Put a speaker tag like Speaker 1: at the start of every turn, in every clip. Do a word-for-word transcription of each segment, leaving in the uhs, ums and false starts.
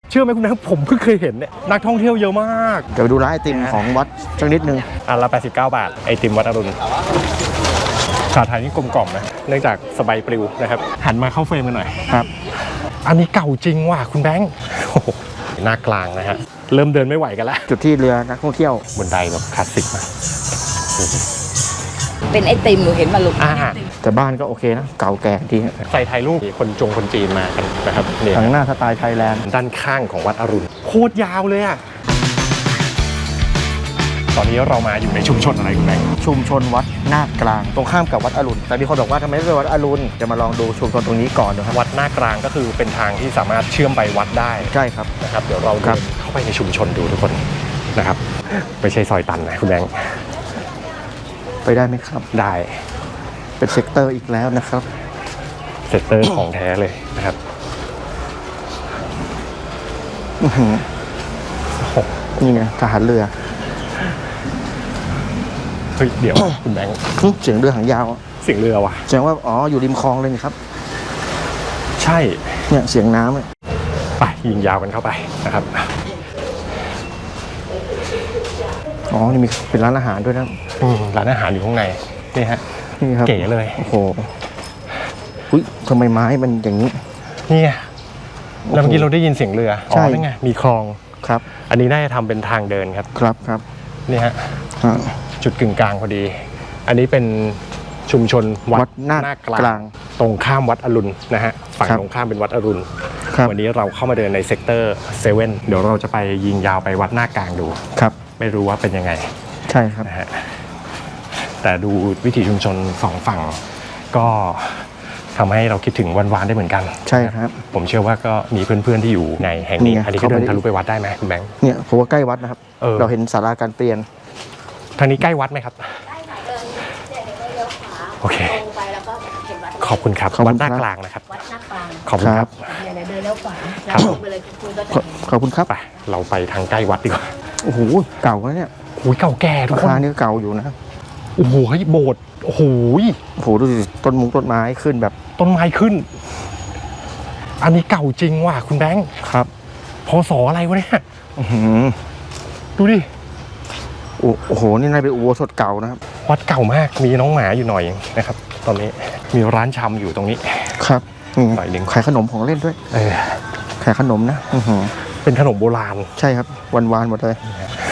Speaker 1: เชื่อไหมคุณแม่ผมเพิ่งเคยเห็นเนี่ยนักท่องเที่ยวเยอะมาก
Speaker 2: เดี๋ยวไปดูร้านไอติมของวัดสักนิดนึง
Speaker 1: อันละแปดสิบเก้าบาทไอติมวัดอรุณชาไทยนี่กลมกล่อมนะเนื่องจากสบายปลิวนะครับหันมาเข้าเฟรมกันหน่อย
Speaker 2: ครับ
Speaker 1: อันนี้เก่าจริงว่ะคุณแบงค์หน้ากลางนะฮะเริ่มเดินไม่ไหวกันแล้ว
Speaker 2: จุดที่เรือนักท่องเที่ยว
Speaker 1: บนไดแบบคลาสสิกมาก
Speaker 3: เป็นไอติมหนูเห็นมาลุก
Speaker 2: แต่บ้านก็โอเคนะเก่าแก่ดี
Speaker 1: ใส่ถ่ายรูปคนจงคนจีนมากันนะครับเนี่ย
Speaker 2: ทางหน้าสไตล์ไทยแลนด์
Speaker 1: ด้านข้างของวัดอรุณโคตรยาวเลยอ่ะตอนนี้เรามาอยู่ในชุมชนอะไรคุณแบงค์
Speaker 2: ชุมชนวัดหน้ากลางตรงข้ามกับวัดอรุณแต่มีคนบอกว่าทำไมไม่ไปวัดอรุณจะมาลองดูชุมชนตรงนี้ก่อนนะครับ
Speaker 1: วัดหน้ากลางก็คือเป็นทางที่สามารถเชื่อมไปวัดได้
Speaker 2: ใช่ครับ
Speaker 1: นะครับเดี๋ยวเราเดินเข้าไปในชุมชนดูทุกคนนะครับไม่ใช่ซอยตันนะคุณแบงค์
Speaker 2: ไปได้ไหมครับ
Speaker 1: ได้
Speaker 2: เป็นเซกเตอร์อีกแล้วนะครับ
Speaker 1: เซกเตอร์ของแท้เลยนะครับ
Speaker 2: นี่ไงทหารเรือ
Speaker 1: เฮ้ยเดี๋ยวคุณแบงค์
Speaker 2: เสียงเรือหางยาว
Speaker 1: เสียงเรือว่ะ
Speaker 2: แสดงว่าอ๋ออยู่ริมคลองเลยครับ
Speaker 1: ใช่
Speaker 2: เนี่ยเสียงน้ำ
Speaker 1: ไปยิงยาวกันเข้าไปนะครับ
Speaker 2: อ๋อนี่มีเป็นร้านอาหารด้วยนะ
Speaker 1: ร้านอาหารอยู่ข้างในนี่ฮะ
Speaker 2: นี่ครับ
Speaker 1: เก๋เลย
Speaker 2: โอ้โหอุ้ยทำไมไม้มันอย่างนี้
Speaker 1: นี่ไงแล้วเมื่อกี้เราได้ยินเสียงเรืออ๋อนี่ไงมีคลอง
Speaker 2: ครับ
Speaker 1: อันนี้น่าจะทำเป็นทางเดินครับ
Speaker 2: ครับครับ
Speaker 1: นี่ฮะจุดกึ่งกลางพอดีอันนี้เป็นชุมชนวัดหน้ากลางตรงข้ามวัดอรุณนะฮะฝั่งตรงข้ามเป็นวัดอรุณวันนี้เราเข้ามาเดินในเซกเตอร์เซเว่นเดี๋ยวเราจะไปยิงยาวไปวัดหน้ากลางดู
Speaker 2: ครับ
Speaker 1: ไม่รู้ว่าเป็นยังไง
Speaker 2: ใช่ครับ
Speaker 1: นะฮะแต่ดูวิถีชุมชนสองฝั่งก็ทำให้เราคิดถึงวันวานได้เหมือนกัน
Speaker 2: ใช่ครับ
Speaker 1: ผมเชื่อว่าก็มีเพื่อนๆที่อยู่ในแห่งนี้อันนี้ก็เดินทะลุไปวัดได้ไหมคุณแบงค์
Speaker 2: เนี่ยผมว่าใกล้วัดนะครับเราเห็นศาลาการเปลี่ยน
Speaker 1: ทางนี้ใกล้วัดไหมครับโอเคขอบคุณครับวัดหน้ากลางนะครับ
Speaker 3: วัดหน้ากลาง
Speaker 1: ขอบคุณครับ
Speaker 3: เดินแล้วขวา
Speaker 2: ขอบคุณครับ
Speaker 1: ไปเราไปทางใกล้วัดดีกว่า
Speaker 2: โอ้โหเก่าแล้วเนี่ย
Speaker 1: โอ้ยเก่าแก่ทุกคน
Speaker 2: นี่เก่าอยู่นะ
Speaker 1: โอ้โหเฮ้ยโบสถ์โอ้โห
Speaker 2: โอ้โหดูสิต้นมุ้งต้นไม้ขึ้นแบบ
Speaker 1: ต้นไม้ขึ้นอันนี้เก่าจริงว่ะคุณแบงค์
Speaker 2: ครับ
Speaker 1: พศอะไรวะเนี่ยดูดิ
Speaker 2: โอ้โหนี่นายเป็นอุโบสถเก่านะครับ
Speaker 1: วัดเก่ามากมีน้องหมาอยู่หน่อยนะครับตอนนี้มีร้านชำอยู่ตรงนี้
Speaker 2: ครับ
Speaker 1: หน่อยหนึ่ง
Speaker 2: ขายขนมของเล่นด้วย
Speaker 1: เออ
Speaker 2: ขายขนมนะ
Speaker 1: เป็นขนมโบราณ
Speaker 2: ใช่ครับวันวานหมดเลย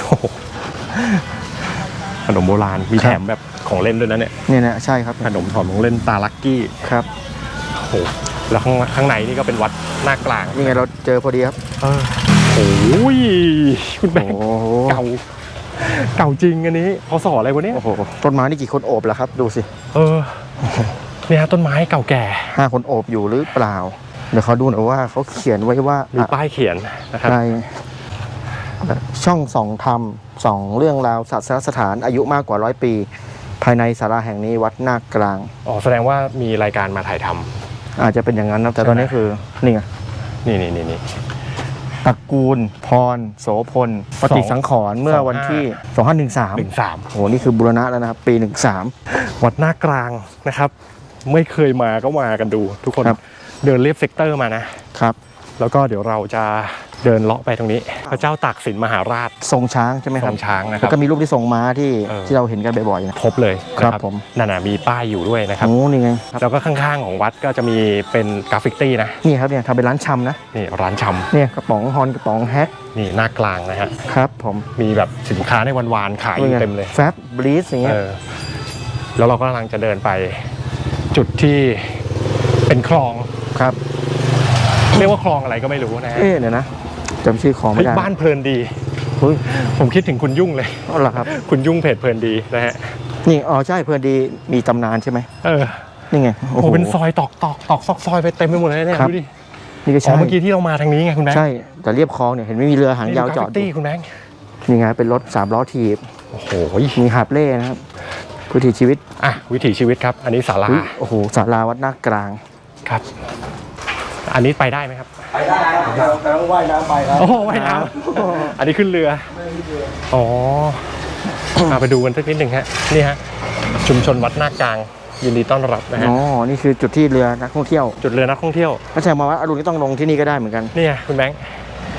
Speaker 1: ขนมโบราณมีแถมแบบของเล่นด้วยนะเนี่ย
Speaker 2: เนี่ยนะใช่ครับ
Speaker 1: ขนมถอดของเล่นตาลักกี้
Speaker 2: ครับ
Speaker 1: โอ้โหแล้วข้างข้างในนี่ก็เป็นวัดหน้ากลาง
Speaker 2: นี่ไงเราเจอพอดีครับ
Speaker 1: เออโอ้ยคุณแบงค์เก่าเก่าจริงอันนี้พศอะไรวะเนี่ย
Speaker 2: โอ้โหต้นไม้นี่กี่คนโอบแล้วครับดูสิ
Speaker 1: เออเนี่ยต้นไม้เก่าแก่
Speaker 2: ห้าคนโอบอยู่หรือเปล่าเดี๋ยวเขาดูหน่อยว่าเขาเขียนไว้ว่า
Speaker 1: มีป้ายเขียนนะครับ
Speaker 2: ในช่องส่องธรรมส่องเรื่องราวศาสนสถานอายุมากกว่าร้อยปีภายในศาลาแห่งนี้วัดหน้ากลาง
Speaker 1: อ๋อแสดงว่ามีรายการมาถ่ายท
Speaker 2: ำอาจจะเป็นอย่างนั้นนะแต่ตอนนี้คือนี่ไง
Speaker 1: นี่นี่นี่นี่
Speaker 2: ตระกูลพรโสพลปฏิสังขรณ์เมื่อวันที่สองพันหนึ่งสาม
Speaker 1: หนึ่งสาม
Speaker 2: โอ้นี่คือบูรณะแล้วนะครับปีหนึ่งสาม
Speaker 1: วัดหน้ากลางนะครับไม่เคยมาก็มากันดูทุกคนเดินเลียบเซกเตอร์มานะครับแล้วก็เดี๋ยวเราจะเดินเลาะไปตรงนี้พระเจ้าตากสินมหาราช
Speaker 2: ทรงช้างใช่ไหมครับ
Speaker 1: ทรงช้างนะครับ
Speaker 2: แล้วก็มีรูปที่ทรงม้าที่ที่เราเห็นกันบ่อยๆนะ
Speaker 1: ครบเลย
Speaker 2: ครับผม
Speaker 1: นั่นน่ะมีป้ายอยู่ด้วยนะครับ
Speaker 2: โอ้นี่ไง
Speaker 1: แล้วก็ข้างๆของวัดก็จะมีเป็นกราฟิตี้นะ
Speaker 2: นี่ครับเนี่ยทำเป็นร้านชำนะ
Speaker 1: นี่ร้านชำ
Speaker 2: เนี่ยกระป๋องฮอนกระป๋องแฮก
Speaker 1: นี่หน้ากลางนะฮะ
Speaker 2: ครับผม
Speaker 1: มีแบบสินค้าในวันวานขายเต็มเลย
Speaker 2: แฟบบลีสอย่างเงี้ย
Speaker 1: แล้วเราก็กำลังจะเดินไปจุดที่เป็นคลอง
Speaker 2: ครับ
Speaker 1: เรียกว่าคลองอะไรก็ไม่รู้นะ
Speaker 2: เอ๊ะเนี่ยนะจำชื่อของไม่ได้
Speaker 1: บ้านเพลินดีผมคิดถึงคุณยุ่งเลย
Speaker 2: อ๋อเหรอครับ
Speaker 1: คุณยุ่งเพจเพลินดีนะฮะ
Speaker 2: นี่อ๋อใช่เพลินดีมีตำนานใช่ไหม
Speaker 1: เออ
Speaker 2: นี่ไง
Speaker 1: โอ้โหเป็นซอยตอกตอกตอกซอกซอยไปเต็มไปหมดเลยเนี่ยดูดิ
Speaker 2: นี่ก็ใช่
Speaker 1: เมื่อกี้ที่เรามาทางนี้ไงคุณแบงค์
Speaker 2: ใช่แต่เรียบคลองเนี่ยเห็นไม่มีเรือหางยาวจอด
Speaker 1: ตี้คุณแบงค์
Speaker 2: นี่ไงเป็นรถสามล้อถีบ
Speaker 1: โอ้โห
Speaker 2: มีหาบเล่นะครับวิถีชีวิต
Speaker 1: อ่ะวิถีชีวิตครับอันนี้ศาลา
Speaker 2: โอ้โหศาลาวัดหน้ากลาง
Speaker 1: ครับอันนี้ไปได้ไหมครับ
Speaker 2: ไปได้ครับแต่ต้องว่ายน้ำไปครับ
Speaker 1: โอ้ว่ายน้ำอันนี้ขึ้นเรืออ๋อมาไปดูกันสักนิดหนึ่งฮะนี่ฮะชุมชนวัดหน้ากลางยินดีต้อนรับนะฮะ
Speaker 2: อ๋อนี่คือจุดที่เรือนักท่องเที่ยว
Speaker 1: จุดเรือนักท่องเที่ยว
Speaker 2: ถ้าใช่มาวัดอรุณก็ต้องลงที่นี่ก็ได้เหมือนกัน
Speaker 1: นี่ไงคุณแบงค์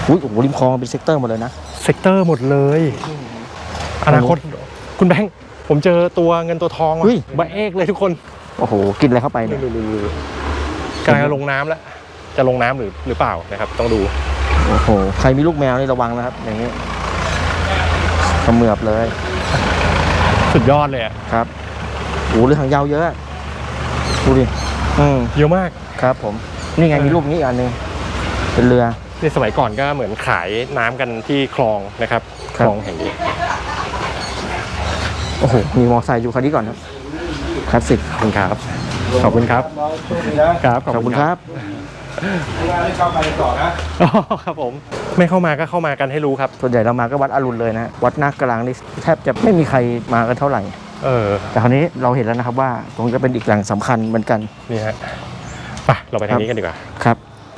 Speaker 2: อุ้ยโอ้โหริมคลองเป็นเซกเตอร์หมดเลยนะ
Speaker 1: เซกเตอร์หมดเลยอนาคตคุณแบงค์ผมเจอตัวเงินตัวทองว่ะ
Speaker 2: เฮ้ย
Speaker 1: บะเอกเลยทุกคน
Speaker 2: โอ้โหกินอะไรเข้าไปเนี่ย
Speaker 1: กำลังจะลงน้ำแล้วจะลงน้ำหรือหรือเปล่านะครับต้องดู
Speaker 2: โอ้โหใครมีลูกแมวนี่ระวังนะครับอย่างนี้เขมือบเลย
Speaker 1: สุดยอดเลยอะ
Speaker 2: ครับโอ้โหเรือหางยาวเยอะดูดิอืม
Speaker 1: เยอะมาก
Speaker 2: ครับผมนี่ไงมีรูปนี้อีกอันหนึงเป็นเรือ
Speaker 1: ในสมัยก่อนก็เหมือนขายน้ำกันที่คลองนะครับ
Speaker 2: ครั
Speaker 1: ค
Speaker 2: บ
Speaker 1: ลองแห่งนี้
Speaker 2: โอ้โหมีมอไซค์อยู่คันนี้ก่อนครับคลาสสิก
Speaker 1: ขอบคุณครับขอบคุณครับครับ
Speaker 2: ขอบคุณครับ
Speaker 4: เข้าไปต่อนะ
Speaker 1: อ๋อครับผมไม่เข้ามาก็เข้ามากันให้รู้ครับ
Speaker 2: ส่วนใหญ่เรามาก็วัดอรุณเลยนะวัดนาคกลางนี่แทบจะไม่มีใครมากันเท่าไหร่
Speaker 1: เออ
Speaker 2: แต่คราวนี้เราเห็นแล้วนะครับว่าตรงนี้เป็นอีกแหล่งสำคัญเหมือนกัน
Speaker 1: นี่ฮะไปเราไปทางนี้กันดีกว่า
Speaker 2: ครับ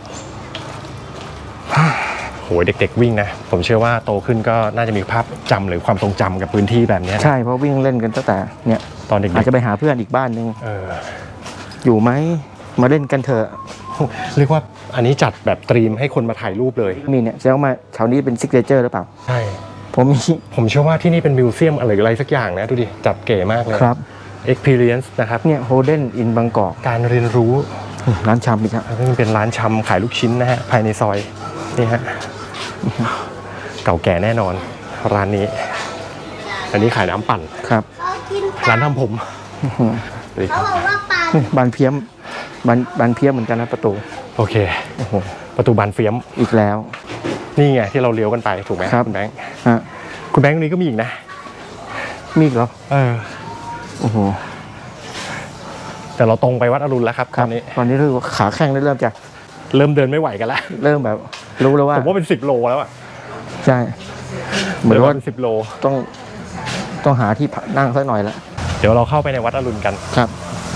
Speaker 1: โหยเด็กๆวิ่งนะผมเชื่อว่าโตขึ้นก็น่าจะมีภาพจำหรือความทรงจำกับพื้นที่แบบนี้นะ
Speaker 2: ใช่เพราะวิ่งเล่นกันตั้งแต่เนี่ย
Speaker 1: ตอนเด็
Speaker 2: อาจ
Speaker 1: ก
Speaker 2: จะไปหาเพื่อนอีกบ้านหนึ่ง
Speaker 1: ๆเออ
Speaker 2: อยู่ไหมมาเล่นกันเถอะ
Speaker 1: เรียกว่าอันนี้จัดแบบตรีมให้คนมาถ่ายรูปเลย
Speaker 2: มีเนี่ยแสดงว่ามาแถวนี้เป็นซิกเนเจอร์หรือเปล่า
Speaker 1: ใช่
Speaker 2: ผมมี
Speaker 1: ผมเชื่อว่าที่นี่เป็นมิวเซียมอะไรอะไรสักอย่างนะดูดิจัดเก๋มากเลย
Speaker 2: ครับ
Speaker 1: experience นะครับ
Speaker 2: เนี่ยโฮเดนอินบางกอก
Speaker 1: การเรียนรู้
Speaker 2: ร้านชำอีกครับ
Speaker 1: แล้วก็เป็นร้านชำขายลูกชิ้นนะฮะภายในซอยนี่ฮะเก่าแก่แน่นอนร้านนี้ อันนี้ขายน้ำปั่น
Speaker 2: ครับ
Speaker 1: ร้านทำผม
Speaker 5: เขาบอกว่าปลา
Speaker 2: บานเพี้ยมบานบานเพี้ยมเหมือนกันนะประตู
Speaker 1: โอเค
Speaker 2: โอ้โห
Speaker 1: ประตูบานเฟียม
Speaker 2: อีกแล้ว
Speaker 1: นี่ไงที่เราเลี้ยวกันไปถูกไหม
Speaker 2: ครับ
Speaker 1: คุณแบงค์
Speaker 2: ฮะ
Speaker 1: คุณแบงค์ตรงนี้ก็มีอีกนะ
Speaker 2: มีอีกเหรอ
Speaker 1: เออ
Speaker 2: โอ้โห
Speaker 1: แต่เราตรงไปวัดอรุณแล้วครับ
Speaker 2: ครั
Speaker 1: ต
Speaker 2: บ
Speaker 1: อนนี้
Speaker 2: ตอนนี้รู้สึกว่าขาแข้งเริ่มจะ
Speaker 1: เริ่มเดินไม่ไหวกันแล้ว
Speaker 2: เริ่มแบบ รู้แล้วว่า
Speaker 1: ผมว่าเป็นสิบโลแล้วอะ
Speaker 2: ใช่เหมือน
Speaker 1: เดิน
Speaker 2: ว่า
Speaker 1: เป็นสิบโล
Speaker 2: ต้องต้องหาที่พักนั่งสักหน่อยละ
Speaker 1: เดี๋ยวเราเข้าไปในวัดอรุณกัน
Speaker 2: ครับ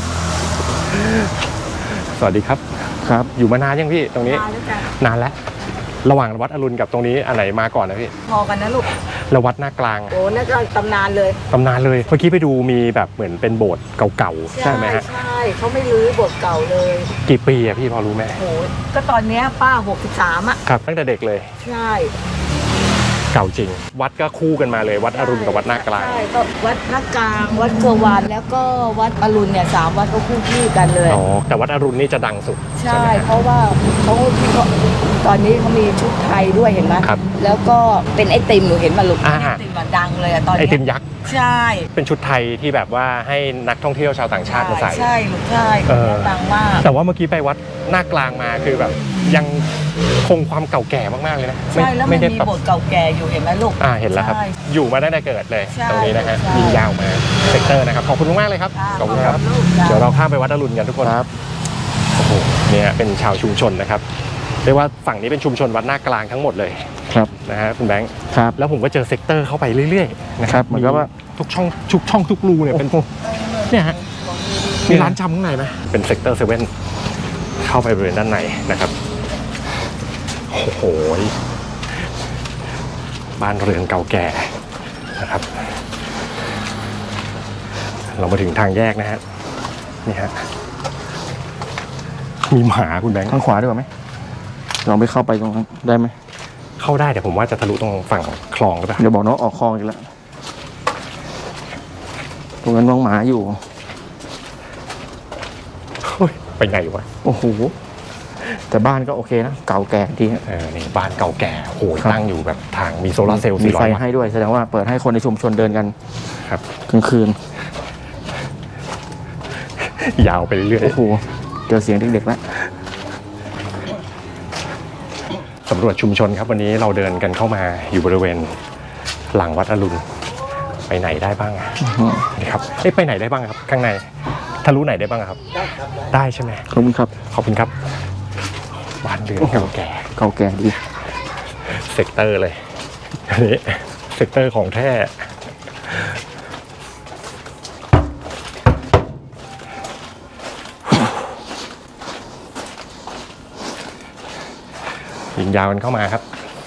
Speaker 1: สวัสดีครับ
Speaker 2: ครับ
Speaker 1: อยู่มานานยังพี่ตรงนี้
Speaker 3: มาแล้วจ้ะ
Speaker 1: นานแล้ว ระหว่างวัดอรุณกับตรงนี้อันไหนมาก่อนนะพี่
Speaker 3: พอกันนะลูก
Speaker 1: แล้ววัดหน้ากลางอะ
Speaker 3: โอ้นั่นก็ตำนานเลย
Speaker 1: ตำนานเลย เมื่อกี้ไปดูมีแบบเหมือนเป็นโบสถ์เก่าๆใช่ไหมฮะ
Speaker 3: ใช่เขาไม่รื้อบทเก่าเลย
Speaker 1: กี่ปีอะพี่พอรู้ไหม
Speaker 3: โอ้ก็ตอนเนี้ยป้าหกสิบสามอ่ะ
Speaker 1: ครับ ตั้งแต่เด็กเลย
Speaker 3: ใช่
Speaker 1: เก่าจริง วัดก็คู่กันมาเลย วัดอรุณกับวัดหน้ากลาง
Speaker 3: ใช่ก็วัดหน้ากลางวัดเกวานแล้วก็วัดอรุณเนี่ยสามวัดก็คู่คู่กันเลย
Speaker 1: อ๋อ แต่วัดอรุณนี่จะดังสุด
Speaker 3: ใช่
Speaker 1: ไหมฮะ
Speaker 3: เพราะว่าเขาเขาตอนนี้เขามีชุดไทยด้วยเห็นไหม
Speaker 1: ครับ
Speaker 3: แล้วก็เป็นไอติมหนูเห็นมาลูก
Speaker 1: อ่า
Speaker 3: ไอติมอะดังเลยอะตอน
Speaker 1: ไอ
Speaker 3: เนี้ย
Speaker 1: ติมยักษ์
Speaker 3: ใช่
Speaker 1: เป็นชุดไทยที่แบบว่าให้นักท่องเที่ยวชาวต่างชาติมาใส่
Speaker 3: ใช่ลูกใช่
Speaker 1: เออ
Speaker 3: ดังมาก
Speaker 1: แต่ว่าเมื่อกี้ไปวัดหน้ากลางมาคือแบบยังคงความเก่าแก่มากๆเลยนะ
Speaker 3: ใช่แล้วมัน
Speaker 1: ได้
Speaker 3: มี
Speaker 1: แบบ
Speaker 3: บทเก่าแก่อยู่เห็นไหมลูก
Speaker 1: อ่าเห็นแล้วครับ
Speaker 3: ใช่
Speaker 1: อยู่มาตั้งแต่เกิดเลย
Speaker 3: ใช่
Speaker 1: ตรงนี้นะฮะ
Speaker 3: ใช่
Speaker 1: ยิงยาวมาเซกเตอร์นะครับขอบคุณมากๆเลยครับ
Speaker 3: จ้า
Speaker 1: ขอบคุณครับ
Speaker 3: ลูกจ้า
Speaker 1: เดี๋ยวเราข้ามไปวัดอรุณกันทุกคน
Speaker 2: ครับ
Speaker 1: โอ้โหเนี่ยเป็นชาวชุมชนนะครับเรียกว่าฝั่งนี้เป็นชุมชนวัดหน้ากลางทั้งหมดเลย
Speaker 2: ครับ
Speaker 1: นะฮะคุณแบงค์
Speaker 2: ครับ
Speaker 1: แล้วผมก็เจอเซกเตอร์เข้าไปเรื่อยๆนะค
Speaker 2: ครั
Speaker 1: รับบ
Speaker 2: เหมือนกับว่า
Speaker 1: ทุกช่องทุกช่องทุกรูเนี่ยเป็น
Speaker 2: โอ้โห
Speaker 1: เนี่ยฮะมีร้านชำข้างในไหมเป็นเซกเตอร์เซเว่นเข้าไปบริเวณด้านในนะครับโอ้โหบ้านเรือนเก่าแก่นะครับ เรามาถึงทางแยกนะฮะนี่ฮะมีหมาคุณแบงค์
Speaker 2: ทางขวาดีกว่าไหมลองไปเข้าไปตรงนั้นได้ไหม
Speaker 1: เข้าได้แต่ผมว่าจะทะลุตรงฝั่งคลองหรือเปล่า
Speaker 2: เดี๋ยวบอกน้องออกคลองอีกแล้วตรงนั้นน้องหมาอยู่
Speaker 1: เฮ้ยไปไงวะ
Speaker 2: โอ้โหแต่บ้านก็โอเคนะเก่าแก่ดีฮะ
Speaker 1: เออนี่บ้านเก่าแก่โอ้โห
Speaker 2: ครับ
Speaker 1: ตั้งอยู่แบบทางมีโซลาร์เซลล์
Speaker 2: มี
Speaker 1: สี่ร้
Speaker 2: ไฟ
Speaker 1: อยวัต
Speaker 2: ให้
Speaker 1: ต์
Speaker 2: ด้วยแสดงว่าเปิดให้คนในชุมชนเดินกัน
Speaker 1: ครับ
Speaker 2: กลางคืน
Speaker 1: ยาวไปเรื่อย
Speaker 2: โอ้โหเจอเสียงเด็กๆแล้ว
Speaker 1: สำรวจชุมชนครับวันนี้เราเดินกันเข้ามาอยู่บริเวณหลังวัดอรุณไปไหนได้บ้างอะนี่ครับเอ้ยไปไหนได้บ้างครับ ข้างในทะลุไหนได้บ้างครับ ได้ใช่ไหม
Speaker 2: ขอบคุณครับ
Speaker 1: ขอบคุณครับบ้านเรือนเก่าแก่
Speaker 2: เก่าแก่ดี
Speaker 1: เซกเตอร์เลยอันนี้เซกเตอร์ของแท้ยิงยาวกันเข้ามาครับ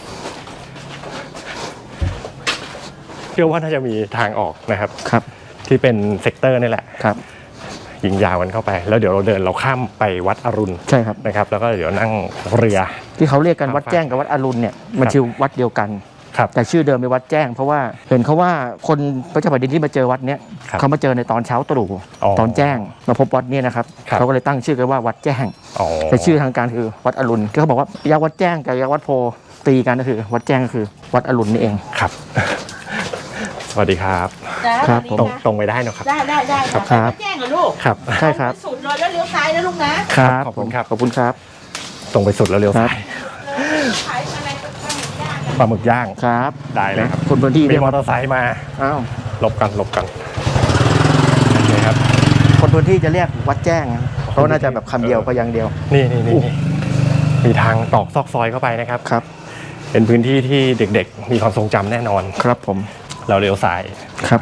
Speaker 1: เชื่อว่าน่าจะมีทางออกนะครับ
Speaker 2: ครับ
Speaker 1: ที่เป็นเซกเตอร์นี่แหละ
Speaker 2: ครับ
Speaker 1: ยิงยาวกันเข้าไป แล้วเดี๋ยวเราเดินเราข้ามไปวัดอรุณ
Speaker 2: ใช่ครับ
Speaker 1: นะครับ แล้วก็เดี๋ยวนั่งเรือ
Speaker 2: ที่เขาเรียกกันวัดแจ้งกับวัดอรุณเนี่ยมันชื่อวัดเดียวกัน
Speaker 1: ครับ
Speaker 2: แต่ชื่อเดิมเป็นวัดแจ้งเพราะว่าเห็นเขาว่าคนพระเจ้าแผ่นดินที่มาเจอวัดเนี้ย
Speaker 1: ครับ
Speaker 2: เขามาเจอในตอนเช้าตรู่
Speaker 1: อ๋อ
Speaker 2: ตอนแจ้งมาพบวัดเนี่ยนะครับ
Speaker 1: ครับ
Speaker 2: เขาก็เลยตั้งชื่อกันว่าวัดแจ้ง
Speaker 1: อ๋อ
Speaker 2: แต่ชื่อทางการคือวัดอรุณที่เขาบอกว่ายักษ์วัดแจ้งกับยักษ์วัดโพตีกันก็คือ วัดแจ้งก็คือวัดอรุณนี่เอง
Speaker 1: ครับ สวัสดีครับ
Speaker 3: จ้า
Speaker 2: ครับ
Speaker 3: สวัส
Speaker 1: ตร
Speaker 3: ดี
Speaker 1: ง
Speaker 3: ค่ะ
Speaker 1: ตรงไปได้เนอะครับ
Speaker 3: ได้ได้ได้
Speaker 2: ครับ
Speaker 3: ค่ะวัดแจ้งเหรอลูก
Speaker 1: ครับ
Speaker 2: ใช่ครับ
Speaker 3: สุดเลยแล้วเลี้ยวซ้ายนะลูกนะครับ
Speaker 1: ขอบคุณครับ
Speaker 2: ขอบคุณครับ
Speaker 1: ตรงไปสุดแล้วเลี้ยวซ้าย
Speaker 3: ขายอะไรก็ข้างย่าง
Speaker 1: ปลาหมึกย่าง
Speaker 2: ครับ
Speaker 1: ได้เลยครับ
Speaker 2: คนพื้นที่
Speaker 1: มี
Speaker 2: เรียก
Speaker 1: มอ
Speaker 2: ว่า
Speaker 1: เตอร์ไซค์มา
Speaker 2: อ้าว
Speaker 1: หลบกันหลบกันโอเคครับ
Speaker 2: คนพื้นที่จะเรียกวัดแจ้งนะเพราะว่าน่าจะแบบคำเดียวพยางค์เดียว
Speaker 1: นี่นี่นี่มีทางตอกซอกซอยเข้าไปนะครับ
Speaker 2: ครับ
Speaker 1: เป็นพื้นที่ที่เด็กๆ มีความทรงจำแน่นอน
Speaker 2: ครับผม
Speaker 1: เราเลี้ยวซ้าย
Speaker 2: ครับ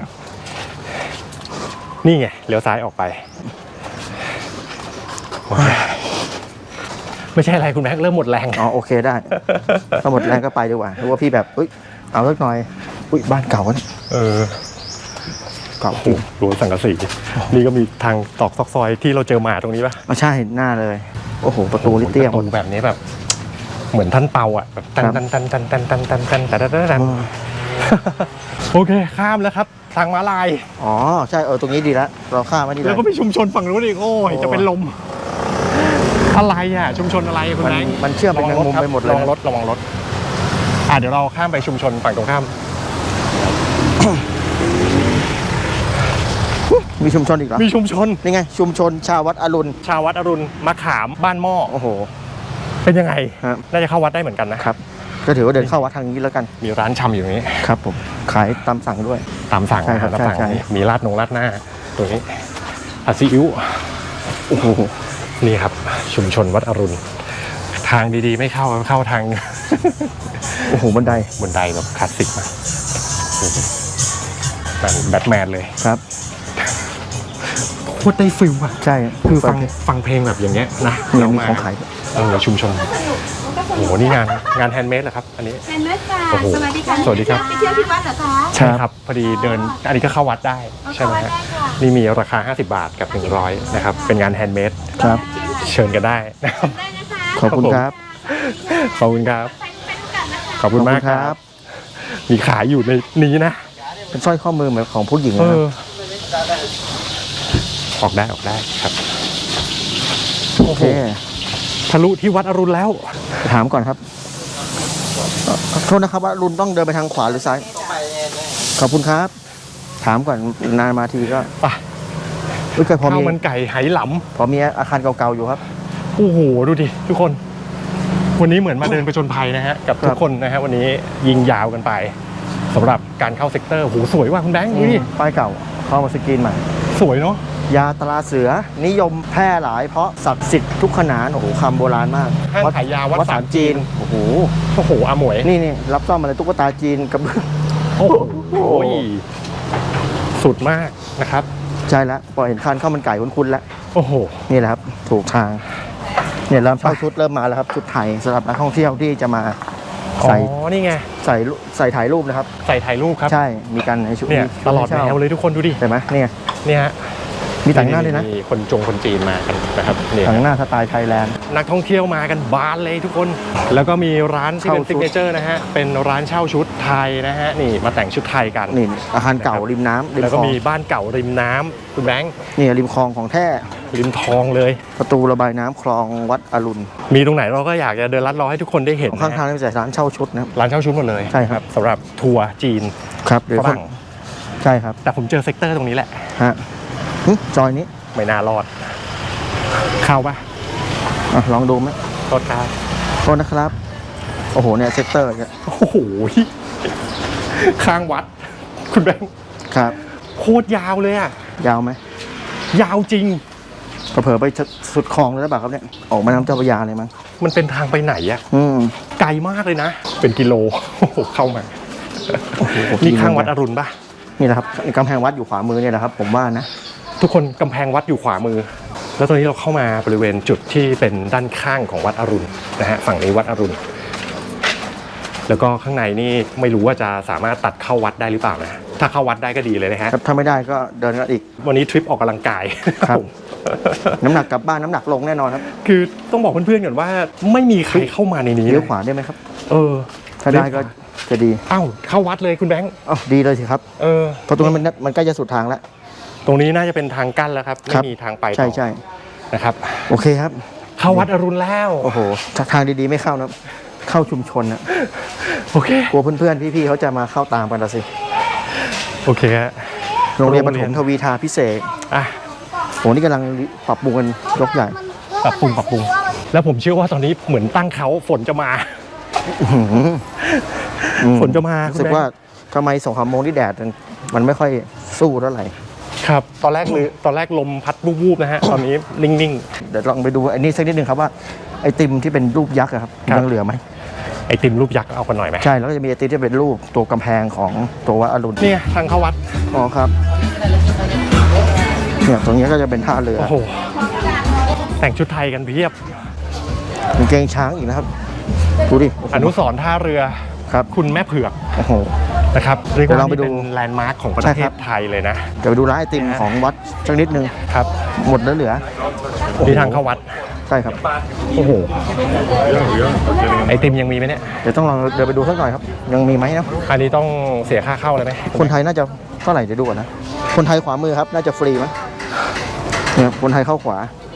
Speaker 1: นี่ไงเลี้ยวซ้ายออกไปโอเคไม่ใช่อะไรคุณแม็กเริ่มหมดแรง
Speaker 2: อ๋อโอเคได้ถ้าหมดแรงก็ไปดีกว่าหรือว่าพี่แบบอุ้ยเอาสักหน่อยอุ้ยบ้านเก่าวะเนี่ย
Speaker 1: เออ
Speaker 2: เก่า
Speaker 1: โอ้โหรั้วสังกะสีนี่ก็มีทางตอกซอกซอยที่เราเจอหมาตรงนี้ปะ
Speaker 2: อ๋อใช่หน้าเลย โอ้โหประตูลิเตี้ย
Speaker 1: ประตูแบบนี้แบบ เหมือนท่านเปาอ่ะแบบตัน
Speaker 2: ครับ
Speaker 1: ตันตันตันตันตันตันตันแต่แต่แต่โอเคข้ามแล้วครับ ทางม้าลาย
Speaker 2: อ๋อใช่เออตรงนี้ดีแล้วเราข้ามมาดี
Speaker 1: แล้
Speaker 2: แล้ว ว
Speaker 1: ก็มีชุมชนฝั่งนู้นอีกโอ้ย
Speaker 2: โอ้
Speaker 1: จะเป็นลม อะไรอ่ะ ชุมชนอะไรคุณ
Speaker 2: มัน
Speaker 1: แบงค์
Speaker 2: มันเชื่อมเป็นแมงมุมไปหมดเลย
Speaker 1: ระวังรถระวังรถอ่ะเดี๋ยวเราข้ามไปชุมชนฝั่งตรงข้าม
Speaker 2: มีชุมชนอีกเหรอ
Speaker 1: มีชุมชน
Speaker 2: นี่ไงชุมชนชาววัดอรุณ
Speaker 1: ชาววัดอรุณมะขามบ้านหม้อ
Speaker 2: โอ้โห
Speaker 1: เป็นยังไง
Speaker 2: ครับ
Speaker 1: น่าจะเข้าวัดได้เหมือนกันนะครับ
Speaker 2: ก็ถือว่าเดินเข้าวัดทางนี้แล้วกัน
Speaker 1: มีร้านชำอยู่ตรงนี้
Speaker 2: ครับผมขายตามสั่งด้วย
Speaker 1: ตามสั่ง
Speaker 2: ใช่ครับ
Speaker 1: ตามสั่ง
Speaker 2: ใช่ใช่
Speaker 1: นี่มีราดนงราดหน้าตัวนี้ผัดซีอิ๊ว
Speaker 2: โอ้โห
Speaker 1: นี่ครับ ชุมชนวัดอรุณ ทางดีๆ ไม่เข้าเข้าทาง
Speaker 2: โอ้โหบันได
Speaker 1: บนไดแบบคลาสสิกมากแบบแบทแมนเลย
Speaker 2: ครับ
Speaker 1: โคตรได้ฟิลอะ
Speaker 2: ใช่
Speaker 1: คือฟังฟังเพลงแบบอย่างเงี้ยนะ
Speaker 2: เนี่ยมี
Speaker 1: มา
Speaker 2: ของขาย
Speaker 1: เออชุมชนโอ้โหนี่งานงานแฮนด์เมดเหรอครับ อันนี้
Speaker 3: เป็นเม็ดค่ะ
Speaker 1: โอ้โห
Speaker 3: สวัสดีค่ะ
Speaker 1: สวัสดีครับ
Speaker 3: ไปเที่ยวที่วัดเหรอคะ
Speaker 1: ใช่ครับ พอดีเดิน อันนี้ก็เข้าวัดได้ ใช่ไหมฮะ
Speaker 3: เข้าวัดได้ค่ะ
Speaker 1: นี่มีราคา ห้าสิบบาทกับหนึ่งร้อยนะครับ เป็นงานแฮนด์เมด
Speaker 2: ครับ
Speaker 1: เชิญกันได้นะครับ
Speaker 3: ได้นะคะ
Speaker 2: ขอบคุณครับ
Speaker 1: ขอบคุณครับ
Speaker 3: ไปไปดูกันนะคะ
Speaker 1: ขอบคุณมากครับ มีขายอยู่ในนี้นะ
Speaker 2: เป็นสร้อยข้อมือเหมือนของผู้หญิง
Speaker 1: เอ
Speaker 2: นะ
Speaker 1: อ ออกได้ออกได้ครับ
Speaker 2: โอเค
Speaker 1: ทะลุที่วัดอรุณแล้ว
Speaker 2: ถามก่อนครับเอ่อขอโทษนะครับว่ารุนต้องเดินไปทางขวาหรือซ้าย ขอบคุณครับ ถามก่อนนานมาทีก็
Speaker 1: ไป
Speaker 2: เอ้ยเคยพอ
Speaker 1: ข้าว
Speaker 2: มี
Speaker 1: มันไก่ไหหล
Speaker 2: พอมีอาคารเก่าๆอยู่ครับ
Speaker 1: ำโอ้โห ดูดิ ทุกคน วันนี้เหมือนมาเดินประจนภัยนะฮะ กับทุ
Speaker 2: ครั
Speaker 1: ก
Speaker 2: บ
Speaker 1: คนนะฮะ วันนี้ยิงยาวกันไปสำหรับการเข้าเซกเตอร์โหสวยว่ะคุณแบงค์ดูดิ
Speaker 2: ป้ายเก่าเข้ามาสกรีนใหม่
Speaker 1: สวยเนาะ
Speaker 2: ยาตราเสือนิยมแพร่หลายเพราะศักดิ์สิทธิ์ทุกขนานโอ้โหคำโบราณมาก
Speaker 1: ห้างขายยาวัด
Speaker 2: วัด
Speaker 1: สา
Speaker 2: สาม ม
Speaker 1: จี
Speaker 2: จี
Speaker 1: น
Speaker 2: นโอ้โห
Speaker 1: โอ้โหอาหมวย
Speaker 2: นี่นี่รับซ่อมอะไรตุ๊กตาจีนกับ
Speaker 1: โอ้โหสุดมากนะครับ
Speaker 2: ใช่แล้วพอเห็นคันข้าวมันไก่คุ้นๆแล้ว
Speaker 1: โอ้โห
Speaker 2: นี่แหละครับ ถูกทาง เนี่ยเริ่มเช่าชุดเริ่มมาแล้วครับ ชุดไทยสำหรับนักท่องเที่ยวที่จะมา
Speaker 1: อ๋อ
Speaker 2: ใส่
Speaker 1: นี่ไง
Speaker 2: ใส่รูใส่ถ่ายรูปนะครับ
Speaker 1: ใส่ถ่ายรูปครับ
Speaker 2: ใช่มีกันในชุด
Speaker 1: เนี่ย
Speaker 2: มี
Speaker 1: ตลอด
Speaker 2: ให้
Speaker 1: แน
Speaker 2: เช่าว
Speaker 1: เลยทุกคนดูดิ
Speaker 2: เห็นไหมเนี่ย
Speaker 1: เนี่ยฮะ
Speaker 2: มีแต่งหน้าด้วยนะ
Speaker 1: มีคนจงคนจีนมากันนะครับเนี่ย
Speaker 2: แต่งหน้าสไตล์ไทยแลนด์
Speaker 1: นักท่องเที่ยวมากันบานเลยทุกคน แล้วก็มีร้านที่เป็น
Speaker 2: เช่าชุ
Speaker 1: ซิ
Speaker 2: ด
Speaker 1: กเนเจอร์นะฮะ เป็นร้านเช่าชุดไทยนะฮะ นี่มาแต่งชุดไทยกัน
Speaker 2: นี่อาคารเก่าริมน้ำริม
Speaker 1: แล้ว
Speaker 2: ค
Speaker 1: ก็
Speaker 2: ลอง
Speaker 1: มีบ้านเก่าริมน้ำคุณแบงค์
Speaker 2: นี่ริมคลองของแท้
Speaker 1: ริมทองเลย
Speaker 2: ประตูระบายน้ำคลองวัดอรุณ
Speaker 1: มีตรงไหนเราก็อยากจะเดินลัดล้อให้ทุกคนได้เห็น
Speaker 2: ข้าง
Speaker 1: นะ
Speaker 2: ทาง
Speaker 1: ฮะ
Speaker 2: นี่เป็นร้านเช่าชุดนะครับ
Speaker 1: ร้านเช่าชุดหมดเลย
Speaker 2: ใช่ครับ
Speaker 1: สำหรับทัวร์จีน
Speaker 2: ครับหรือ
Speaker 1: ฝ
Speaker 2: คน
Speaker 1: รั่ง
Speaker 2: ใช่ครับ
Speaker 1: แต่ผมเจอเซกเตอร์ตรงนี้แหละ
Speaker 2: ฮะหึจอยนี้
Speaker 1: ไม่น่ารอด เข้าปะ
Speaker 2: อ่ะลองดูไหม
Speaker 1: โทษครับ
Speaker 2: โทษนะครับ โอ้โหเนี่ยเซกเตอร์เนี่ย
Speaker 1: โอ้โหข้างวัด คุณแบงค์
Speaker 2: ครับ
Speaker 1: โคตรยาวเลยอะ
Speaker 2: ยาวไหม
Speaker 1: ยาวจริง
Speaker 2: เผลอๆไปสุดคลองเลยหรือเปล่าครับเนี่ยออกมาน้ำเจ้าพระยาเลยมั้ง
Speaker 1: มันเป็นทางไปไหนอะ
Speaker 2: อืม
Speaker 1: ไกลมากเลยนะ เป็นกิโลโอ้โหเข้ามา นี่ข้างวัดอรุณปะ
Speaker 2: นี่แหละครับกำแพงวัดอยู่ขวามือเนี่ยแหละครับ ผมว่านะ
Speaker 1: ทุกคนกำแพงวัดอยู่ขวามือ แล้วตอนนี้เราเข้ามาบริเวณจุดที่เป็นด้านข้างของวัดอรุณนะฮะฝั่งนี้วัดอรุณ แล้วก็ข้างในนี่ไม่รู้ว่าจะสามารถตัดเข้าวัดได้หรือเปล่านะถ้าเข้าวัดได้ก็ดีเลยนะฮะ
Speaker 2: ครับถ้าไม่ได้ก็เดินกันอีก
Speaker 1: วันนี้ทริปออกกำลังกาย
Speaker 2: ครับ
Speaker 1: ผม
Speaker 2: น้ำหนักกลับบ้านน้ำหนักลงแน่นอนครับ
Speaker 1: คือต้องบอกเพื่อนๆก่อนว่าไม่มีใครเข้ามาในนี้
Speaker 2: เลี้ยว
Speaker 1: นะ
Speaker 2: ขวาได้ไหมครับ
Speaker 1: เออ
Speaker 2: ถ้าได้ก็จะดี
Speaker 1: เอ้าเข้าวัดเลยคุณแบงค์
Speaker 2: อ๋อดีเลยสิครับ
Speaker 1: เออ
Speaker 2: เพราะตรงนั้นมันมันใกล้จะสุดทางแล้ว
Speaker 1: ตรงนี้น่าจะเป็นทางกั้นแล้วครับ
Speaker 2: ครั
Speaker 1: ไม่
Speaker 2: บ
Speaker 1: มีทางไปต่อ
Speaker 2: ใช่ใช่
Speaker 1: นะครับ
Speaker 2: โอเคครับ
Speaker 1: เข้าวัดอรุณแล้ว
Speaker 2: โอ้โหทางดีๆไม่เข้านะเข้าชุมชนนะ
Speaker 1: โอเค
Speaker 2: กลัวเพื่อนๆพี่ๆเขาจะมาเข้าตามกันละสิ
Speaker 1: โอเคฮะ
Speaker 2: โรงเรียน
Speaker 1: โร
Speaker 2: ป
Speaker 1: งเรี
Speaker 2: ฐ
Speaker 1: ยน
Speaker 2: มทวีทาพิเศษ
Speaker 1: อ่ะ
Speaker 2: โหนี่กำลังปรับปรุงกันยกใหญ่
Speaker 1: ปรับปรุงปรับปรุง แล้วผมเชื่อว่าตอนนี้เหมือนตั้งเขาฝนจะมา
Speaker 2: อื้อหืออืม
Speaker 1: ฝนจะมา
Speaker 2: รู้สึกว่าทำไมสองสามโมงที่แดดมันมันไม่ค่อยสู้เท่าไหร่
Speaker 1: ครับ ตอนแรกเลยตอนแรกลมพัดวูบๆนะฮะ ตอนนี้นิ่ง
Speaker 2: เดี๋ยวลองไปดูไอ้นี่สักนิดหนึ่งครับว่าไอติมที่เป็นรูปยักษ์อะครับ
Speaker 1: ครับ
Speaker 2: ยังเหลือไหม
Speaker 1: ๆ ไอติมรูปยักษ์เอากันหน่อยไหม
Speaker 2: ใช่แล้วก็จะมีไอติมที่เป็นรูปตัวกำแพงของตัววัดอรุณ
Speaker 1: เนี่ยทางเข้าวัด
Speaker 2: อ๋อครับเนี่ยตรงนี้ก็จะเป็นท่าเรือ
Speaker 1: โอ้โห แต่งชุดไทยกันเพียบ
Speaker 2: กางเกงช้างอีกนะครับดูดิ
Speaker 1: อนุสรณ์ท่าเรือ
Speaker 2: ครับ
Speaker 1: คุณแม่เผือก
Speaker 2: โอ้โห
Speaker 1: นะครับ เรียก
Speaker 2: เดี๋ยวล
Speaker 1: ว่า
Speaker 2: องไป
Speaker 1: นี่
Speaker 2: ดู
Speaker 1: เป็นแลนด์มาร์คของประ
Speaker 2: ใช่
Speaker 1: เท
Speaker 2: ครั
Speaker 1: ศ
Speaker 2: บ
Speaker 1: ไทยเลยนะ
Speaker 2: เดี๋ยวไปดูร้านไอติมของวัดสักนิดหนึ่ง
Speaker 1: ครับ
Speaker 2: หมดแล้วเหลือ
Speaker 1: ที่ทางเข้าวัด
Speaker 2: ใช่ครับ
Speaker 1: โอ้โห ไอติมยังมีไหมเนี่ย
Speaker 2: เดี๋ยวต้องลองเดินไปดูสักหน่อยครับ ยังมีไหมนะ
Speaker 1: อันนี้ต้องเสียค่าเข้าเลยไหม
Speaker 2: คนไทยน่าจะเท่าไหร่เดี๋ยวดูก่อนนะ คนไทยขวามือครับ น่าจะฟรีมั้งเนี่ยคนไทยเข้าขวา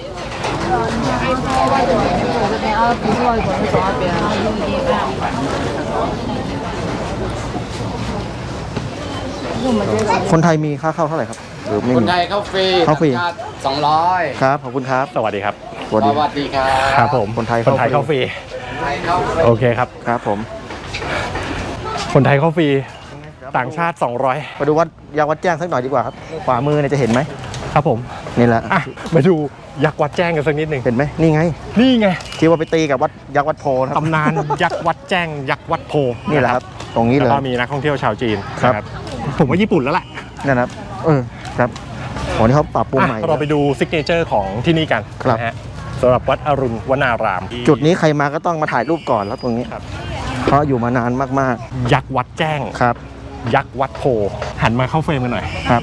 Speaker 2: คนไทยมีค่าเข้าเท่าไหร่ครับหรือไม่
Speaker 6: คน
Speaker 2: มี
Speaker 6: ไทยเข้าฟรี
Speaker 2: เข้าฟรี
Speaker 6: ต่งชติสองร้อย
Speaker 2: ครับขอบคุณครับ
Speaker 1: สวัสดีครับ
Speaker 2: สวัส
Speaker 6: ส
Speaker 2: ดี
Speaker 6: วัสดีครับ
Speaker 1: ครับผม
Speaker 2: คนไทย
Speaker 1: คนไทย
Speaker 2: เข้า
Speaker 1: เข้า
Speaker 2: ฟ
Speaker 1: ฟ
Speaker 2: รี
Speaker 1: รี
Speaker 6: คนไทยเข้าฟรี
Speaker 1: โอเคครับ
Speaker 2: ครับผม
Speaker 1: คนไทยเข้าฟรี ต่างชาติ สองร้อย
Speaker 2: มาดูวัดยางวัดแจ้งสักหน่อยดีกว่าครับ ขวามือเนี่ยจะเห็นไหม
Speaker 1: ครับผม
Speaker 2: นี่แหละ
Speaker 1: อ่ะ มาดูยักษ์วัดแจ้งกันสักนิดหนึ่ง
Speaker 2: เห็นไหมนี่ไง
Speaker 1: นี่ไง
Speaker 2: ที่ว่าไปตีกับวัดยักษ์วัดโพนะครับ
Speaker 1: ตำนานยักษ์วัดแจ้ง ยักษ์วัดโพ
Speaker 2: นี่แหละครับ ตรงนี้
Speaker 1: แล้ว
Speaker 2: เลย
Speaker 1: ก็มีนักท่องเที่ยวชาวจีน
Speaker 2: ครับ
Speaker 1: นะผมว่าญี่ปุ่นแล้วแหละ
Speaker 2: นั่นนะครับ เออครับโหนี่เขาปรับปรุง
Speaker 1: อ่ะ
Speaker 2: ใหม่
Speaker 1: เราไปดูซิกเนเจอร์ของที่นี่กัน
Speaker 2: ครับ
Speaker 1: นะฮะสำหรับวัดอรุณวนาราม
Speaker 2: จุดนี้ใครมาก็ต้องมาถ่ายรูปก่อนแล้วตรงนี้
Speaker 1: ครับ
Speaker 2: เพราะอยู่มานานมาก
Speaker 1: ยักษ์วัดแจ้ง
Speaker 2: ๆครับ
Speaker 1: ยักษ์วัดโพ หันมาเข้าเฟรมกันหน่อย
Speaker 2: ครับ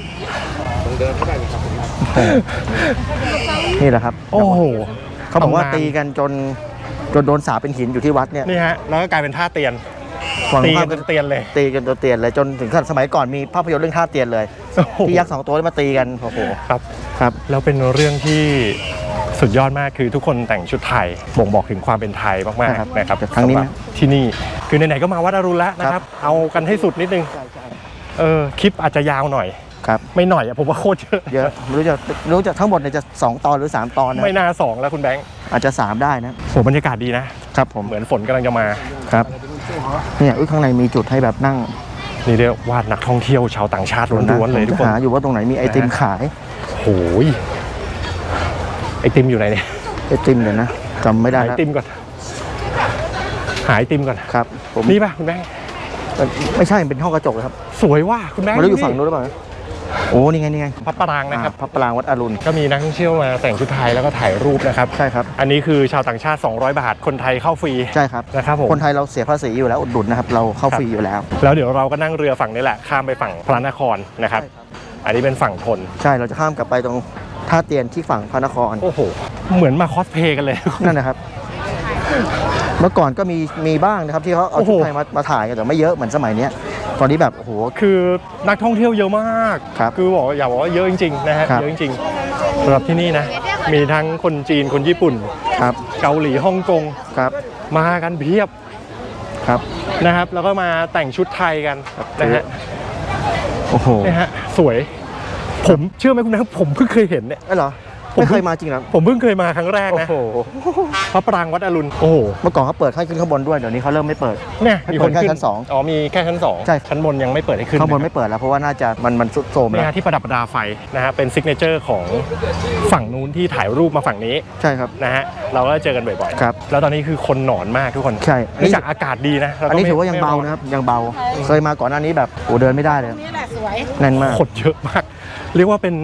Speaker 2: นี่แหละครับ
Speaker 1: โอ้โห
Speaker 2: เขาบอกว่า
Speaker 1: ตำนน
Speaker 2: ตีกันจนจนโดนสาปเป็นหินอยู่ที่วัดเนี่ย
Speaker 1: นี่ฮะ แล้วก็กลายเป็นท่าเตียน
Speaker 2: ฝั่ง
Speaker 1: ตี
Speaker 2: ภา
Speaker 1: กั
Speaker 2: พ
Speaker 1: นจนเตียนเลย
Speaker 2: ตีกันจนเตียนเลยจนถึงขั้นสมัยก่อนมีภาพยนตร์เรื่องท่าเตียนเลย
Speaker 1: โอ้โห
Speaker 2: ที่ยักษ์สองตัวที่มาตีกันโอ้โห
Speaker 1: ครับ
Speaker 2: ครับ
Speaker 1: แล้วเป็นเรื่องที่สุดยอดมากคือทุกคนแต่งชุดไทยบ่งบอกถึงความเป็นไทยมาก
Speaker 2: ครับ
Speaker 1: ๆนะครับ
Speaker 2: แต่ครั้งนี้
Speaker 1: สำหรับที่นี่คือไหนๆก็มาวัดอรุณแล้วนะครับ เอากันให้สุดนิดนึงเออคลิปอาจจะยาวหน่อย
Speaker 2: ครับ
Speaker 1: ไม่หน่อยอะผมว่าโคตรเยอะ
Speaker 2: เยอะไม่รู้จะไม่รู้จะทั้งหมดเนี่ยจะสองตอนหรือสามตอนนะ
Speaker 1: ไม่น่าสองแล้วคุณแบงค์
Speaker 2: อาจจะสามได้นะ
Speaker 1: โหบรรยากาศดีนะ
Speaker 2: ครับผม
Speaker 1: เหมือนฝนกำลังจะมา
Speaker 2: ครับเนี่ยอุ้ยข้างในมีจุดให้แบบนั่ง
Speaker 1: นี่เรียกว่านักท่องเที่ยวชาวต่างชาติล้วนๆเลยทุกคน
Speaker 2: หาอยู่ว่าตรงไหนมีไอติมขาย
Speaker 1: โอ้ยไอติมอยู่ไหนเนี่ย
Speaker 2: ไอติมเดี๋ยวนะจำไม่ได้
Speaker 1: หาไอ
Speaker 2: แล้ว
Speaker 1: ติมก่อนหาไอติมก่อน
Speaker 2: ครับผม
Speaker 1: นี่ป่ะคุณแบงค์
Speaker 2: ไม่ใช่เป็นห้องกระจกเลยครับ
Speaker 1: สวยว่ะคุณแบงค์
Speaker 2: ไมันอยู่ฝั่งนู้นหรือเปล่าโอ้นี่ไงนี่ไง
Speaker 1: พระปรางนะครับ
Speaker 2: อ่าพระปรางวัดอรุณ
Speaker 1: ก็มีนักท่องเที่ยวมาแต่งชุดไทยแล้วก็ถ่ายรูปนะครับ
Speaker 2: ใช่ครับ
Speaker 1: อันนี้คือชาวต่างชาติ สองร้อย บาท คนไทยเข้าฟรี
Speaker 2: ใช่ครับ
Speaker 1: นะครับผม
Speaker 2: คนไทยเราเสียภาษีอยู่แล้วอุดหนุนนะครับ เราเข้าฟรีอยู่แล้ว
Speaker 1: แล้วเดี๋ยวเราก็นั่งเรือฝั่งนี้แหละ ข้ามไปฝั่งพระนครนะครับ อันนี้เป็นฝั่งทน
Speaker 2: ใช่เราจะข้ามกลับไปตรงท่าเตียนที่ฝั่งพระนคร
Speaker 1: โอ้โห เหมือนมาคอสเพลย์กันเลย
Speaker 2: นั่นนะครับ เมื่อก่อนก็มีมีบ้างนะครับที่เขาเอา
Speaker 1: โอ้โห
Speaker 2: ชุดไทยมามาถ่ายกันแต่ไม่เยอะเหมือนสมัยเนี้ยตอนนี้แบบโอ้โห
Speaker 1: คือนักท่องเที่ยวเยอะมาก
Speaker 2: ครับ
Speaker 1: อบอกว่าอย่าบอกว่าเยอะจริงๆนะฮะ
Speaker 2: ครับ
Speaker 1: เยอะจริงๆสำหรับที่นี่นะ มีทั้งคนจีน คนญี่ปุ่น
Speaker 2: ครับ
Speaker 1: เกาหลี ฮ่องกง
Speaker 2: ครับ
Speaker 1: มากันเพียบ
Speaker 2: ครับ
Speaker 1: นะครับ แล้วก็มาแต่งชุดไทยกันนะฮะ
Speaker 2: โอ้โห
Speaker 1: นี่ฮะ สวย ผมเชื่อไหมคุณนะครับผมเพิ่งเคยเห็นเนี่ย
Speaker 2: เอ้ยเหรอ
Speaker 1: ผม
Speaker 2: ไม่เคยมาจริงเหรอ
Speaker 1: ผมเพิ่งเคยมาครั้งแรก
Speaker 2: โอ้
Speaker 1: นะ
Speaker 2: โห
Speaker 1: พระปรางวัดอรุณ โอ้โห
Speaker 2: เมื่อก่อนเขาเปิดให้ขึ้นข้างบนด้วยเดี๋ยวนี้เขาเริ่มไม่เปิด
Speaker 1: เนี่ย
Speaker 2: ให้
Speaker 1: มี
Speaker 2: เปิ
Speaker 1: ค
Speaker 2: ด
Speaker 1: น
Speaker 2: แค่
Speaker 1: ขึ้น
Speaker 2: ชั้นสอง
Speaker 1: อ๋อมีแค่ชั้นสอง
Speaker 2: ใช่
Speaker 1: ชั้นบนยังไม่เปิดให้ขึ้น
Speaker 2: ข้างบน
Speaker 1: นะ
Speaker 2: ไม่เปิดแล้วเพราะว่าน่าจะมันมันสุดโทรม
Speaker 1: เนี่
Speaker 2: แล้ว
Speaker 1: ยที่ประดับประดาไฟนะฮะเป็นซิกเนเจอร์ของฝั่งนู้นที่ถ่ายรูปมาฝั่งนี้
Speaker 2: ใช่ครับ
Speaker 1: นะฮะเราก็เจอกันบ่อยๆ
Speaker 2: ครับ
Speaker 1: แล้วตอนนี้คือคนหนอนมากทุกคน
Speaker 2: ใช่อันนี้
Speaker 1: เนื่องจากอากาศดีนะแล้ว
Speaker 2: อัน
Speaker 1: ก็
Speaker 2: นี้
Speaker 1: ไม่
Speaker 2: ถือว่ายังเบา
Speaker 1: ไม่
Speaker 2: นะครับยังเบา เคยมาก่อนหน้านี้แบบโอ้เดินไม่ได้เลย
Speaker 3: นี่แหละสวย
Speaker 2: แน่นมาก
Speaker 1: คนเยอะมาก เรียกว่าเป็น